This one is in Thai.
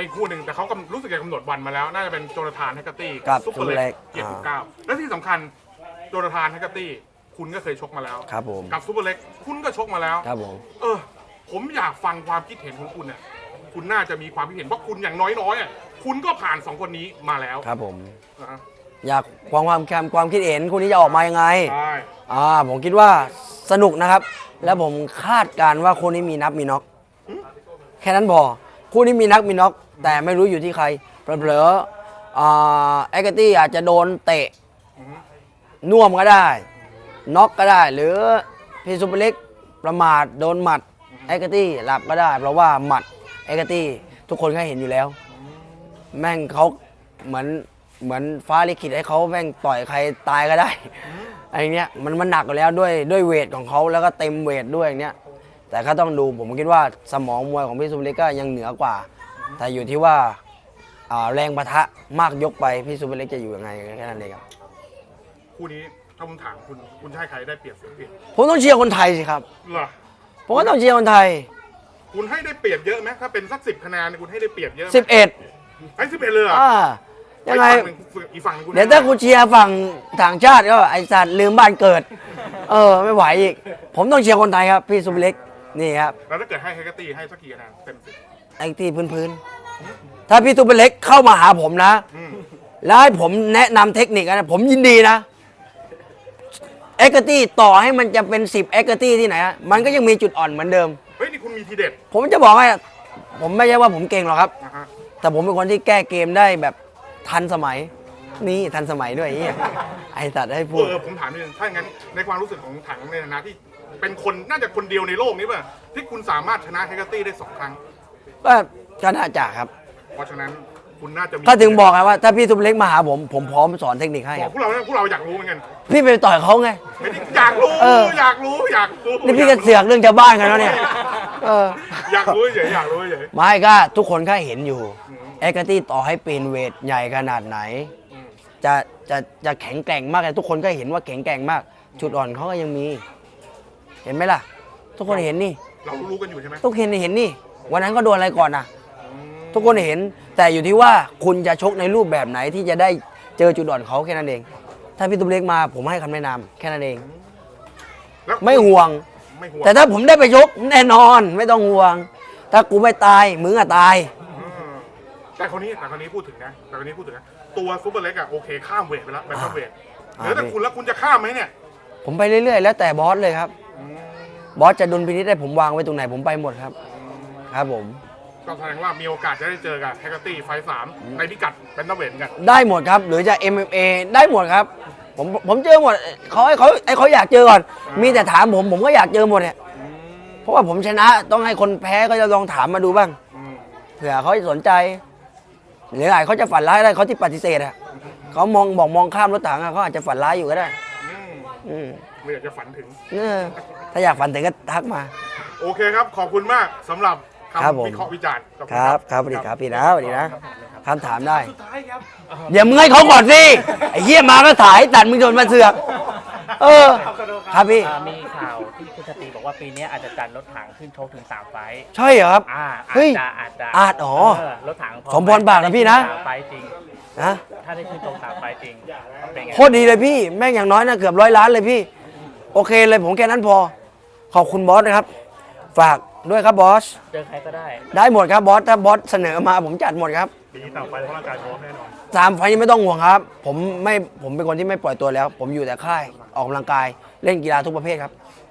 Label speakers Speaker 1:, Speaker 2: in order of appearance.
Speaker 1: อีกคู่หนึ่งแต่เขารู้สึกจะกำหนดวันมาแล้วน่าจะเป็นโจนาธานแฮกเกอร์ตี้
Speaker 2: กับ
Speaker 1: ซุปเปอร์เล็ก
Speaker 2: ซุปเปอร์เล็ก
Speaker 1: 79และที่สำคัญโจนาธานแฮกเกอร์ตี้คุณก็เคยชกมาแล้ว
Speaker 2: ครับผม
Speaker 1: กับซุปเปอร์เล็กคุณก็ชกมาแล้ว
Speaker 2: ครับผม
Speaker 1: ผมอยากฟังความคิดเห็นของคุณเนี่ยคุณน่าจะมีความคิดเห็นเพราะคุณอย่างน้อยๆคุณก็ผ่าน2คนนี้มาแล้ว
Speaker 2: ครับผม
Speaker 1: นะฮะ
Speaker 2: อยากความคิดเห็นคู่นี้จะออกมายังไง
Speaker 1: ใช่
Speaker 2: ผมคิดว่าสนุกนะครับ แล้วผมคาดการณ์ว่าคู่นี้มีนับมีน็อกแค่นั้นพอคู่นี้มีนับมีน็อกแต่ไม่รู้อยู่ที่ใครเผลอๆเอ็กตี้อาจจะโดนเตะน่วมก็ได้น็อกก็ได้ หรือพี่ซุปเปอร์เล็กประมาทโดนหมัดเอ็กตี้หลับก็ได้ เพราะว่าหมัดเอ็กตี้ทุกคนก็เห็นอยู่แล้ว แม่งเขาเหมือนฟ้าลิขิตให้เขาแม่งต่อยใครตายก็ได้อะไรเนี้ยมันหนักอยู่แล้วด้วยเวทของเขาแล้วก็เต็มเวทด้วยอย่างเนี้ยแต่ก็ต้องดูผมคิดว่าสมองมวยของพี่ซุปเปอร์เล็กก็ยังเหนือกว่า แต่อยู่ที่ว่าแรงปะทะมากยกไปพี่ซุปเปอร์เล็กจะอยู่ยังไงแค่นั้นเองครับ
Speaker 1: คู่นี้ถ้าผมถามคุณจะให้ใครได้เปรียบเสียเปรียบ
Speaker 2: ผมต้องเชียร์คนไทยสิครับ
Speaker 1: เหรอ
Speaker 2: ผมก็ต้องเชียร์คนไทย
Speaker 1: คุณให้ได้เปรียบเยอะไหมถ้าเป็นสัก10 คะแนนคุณให้ได้เปรียบเยอะไหม
Speaker 2: 11
Speaker 1: ให้11เลยเหรอ
Speaker 2: ยังไง
Speaker 1: อีกฝั่งหนึ่งคุณ
Speaker 2: เดี๋ยวถ้ากูเชียร์ฝั่งต่างชาติก็ไอสัตว์ลืมบ้านเกิดไม่ไหวอีกผมต้องเชียร์คนไทยครับพี่ซุปเปอร์เล็กนี่ครับ
Speaker 1: แล้วถ้าเกิดให้แฮกเกอร์ตี้ให้สักกี่คะแนนเต็ม10
Speaker 2: ไอ้ที่พื้นๆถ้าพี่ซุปเปอร์เล็กเข้ามาหาผมนะ แล้วให้ผมแนะนำเทคนิคนะผมยินดีนะเอ็กตี้ต่อให้มันจะเป็น10เอ็กตี้ที่ไหนมันก็ยังมีจุดอ่อนเหมือนเดิม
Speaker 1: เฮ้ยนี่คุณมีทีเด็ด
Speaker 2: ผมจะบอกให้ผมไม่ใช่ว่าผมเก่งหรอกครับ
Speaker 1: นะฮะ
Speaker 2: แต่ผมเป็นคนที่แก้เกมได้แบบทันสมัยนี่ทันสมัยด้วยไอ้สัตว์ให้พูด
Speaker 1: ผมถามนิดนึงถ้าอย่างนั้นในความรู้สึกของถังในฐานะที่เป็นคนน่าจะคนเดียวในโลกนี้ป่ะที่คุณสามารถชนะแฮกเกอร์ตี้ได้2 ครั้ง
Speaker 2: ก็น่าจะครับ
Speaker 1: เพราะฉะนั้นคุณน่าจะมี
Speaker 2: ถ้าถึงบอกไงว่าถ้าพี่ซุปเปอร์เล็กมาหาผมพร้อมสอนเทคนิคให้
Speaker 1: บ
Speaker 2: ค
Speaker 1: อ
Speaker 2: รั
Speaker 1: ก
Speaker 2: บ
Speaker 1: พวกเราอยากรู้เหมือนกัน
Speaker 2: พี่ไปต่อยเขาไง
Speaker 1: ไม่ได้อยากรู้ อยากรู้
Speaker 2: นี่พี่ก็เสือกเรื่องชาวบ้านกันแล้วเนี่ย
Speaker 1: อยากรู้เฉยอยากรู้เฉย
Speaker 2: ไม่ก็ทุกคนก็เห็นอยู่เอ็กตี้ต่อให้เป็นเวทใหญ่ขนาดไหน จะแข็งแกร่งมากเลยทุกคนก็เห็นว่าแข็งแกร่งมาก จุดอ่อนเขาก็ยังมี เห็นไหมล่ะ ทุกคนเห็นนี่
Speaker 1: เรารู้กันอยู่ใช่ไหม
Speaker 2: ทุกคนเห็นนี่ วันนั้นก็โดนอะไรก่อนนะทุกคนเห็นแต่อยู่ที่ว่าคุณจะชกในรูปแบบไหนที่จะได้เจอจุดอ่อนเขาแค่นั้นเอง ถ้าพี่ตุ๊กเล็กมาผมให้คำแนะนำแค่นั้นเอง
Speaker 1: แล้ว
Speaker 2: ไม่ห่วง
Speaker 1: ไม่ห่วง
Speaker 2: แต่ถ้าผมได้ไปชกแน่นอนไม่ต้องห่วง ถ้ากูไม่ตายมึงอะตาย
Speaker 1: แต่คนนี้พูดถึงนะตัวซุปเปอร์เล็กโอเคข้ามเวทไปแล้วไปข้ามเวทแล้วแต่คุณแล้วคุณจะข้ามไหมเนี่ย
Speaker 2: ผมไปเรื่อยๆแล้วแต่บอสเลยครับบอสจะดุลพินิจได้ผมวางไว้ตรงไหนผมไปหมดครับครับผม
Speaker 1: ก็แสดงว่ามีโอกาสจะได้เจอกับแฮกเกอร์ตี้ไฟท์3ในพิกัดเป็นนักเวทกัน
Speaker 2: ได้หมดครับหรือจะ MMA ได้หมดครับผมเจอหมดเขาอยากเจอก่อนมีแต่ถามผมก็อยากเจอหมดเนี่ยเพราะว่าผมชนะต้องให้คนแพ้ก็จะลองถามมาดูบ้างเผื่อเขาจะสนใจหรืออาจเขาจะฝันร้ายได้เขาที่ปฏิเสธอะเขามองข้ามรถถังเขาอาจจะฝันร้ายอยู่ก็ได้
Speaker 1: ไม่อยากจะฝันถึง
Speaker 2: ถ้าอยากฝันถึงก็ทักมา
Speaker 1: โอเคครับขอบคุณมากสำหรับ
Speaker 2: ครับผม
Speaker 1: คำวิเคราะห์วิจารณ์ขอณ
Speaker 2: ครับสวัสดีครับพี่นะสวัสดีนะคำถามได้
Speaker 1: สุดท้ายครับ
Speaker 2: เดี๋ยวมึงให้เขาก่อนสิไอ้เหี้ยมาก็ถ่ายตัดมึงโดนมาเสือกครับพี่
Speaker 3: มีข่าวที่คุณชติบอกว่าปีนี้อาจจะจัดรถถังขึ้นชกถึง3 ไฟท์
Speaker 2: ใช่เหรอครับ เฮ้ย
Speaker 3: อาจจะ รถถัง
Speaker 2: สมพรปากนะพี่นะ
Speaker 3: 3 ไฟท์จริง
Speaker 2: นะ
Speaker 3: ถ้าได้ขึ้นชก3 ไฟท์จริงเป็นไง
Speaker 2: โคตรดีเลยพี่แม่งอย่างน้อยนะเกือบ100 ล้านเลยพี่โอเคเลยผมแค่นั้นพอขอบคุณบอสนะครับฝากด้วยครับบอส
Speaker 3: เจอใครก็ได้
Speaker 2: ได้หมดครับบอสถ้าบอสเสนอมาผมจัดหมดครับ
Speaker 1: ปีนี้ต่างไปเพราะร่างกายพร้อมแน่นอน
Speaker 2: 3 ไฟล์นี้ไม่ต้องห่วงครับผมเป็นคนที่ไม่ปล่อยตัวแล้ว ผมอยู่แต่ค่ายออกกำลังกายเล่นกีฬาทุกประเภทครับ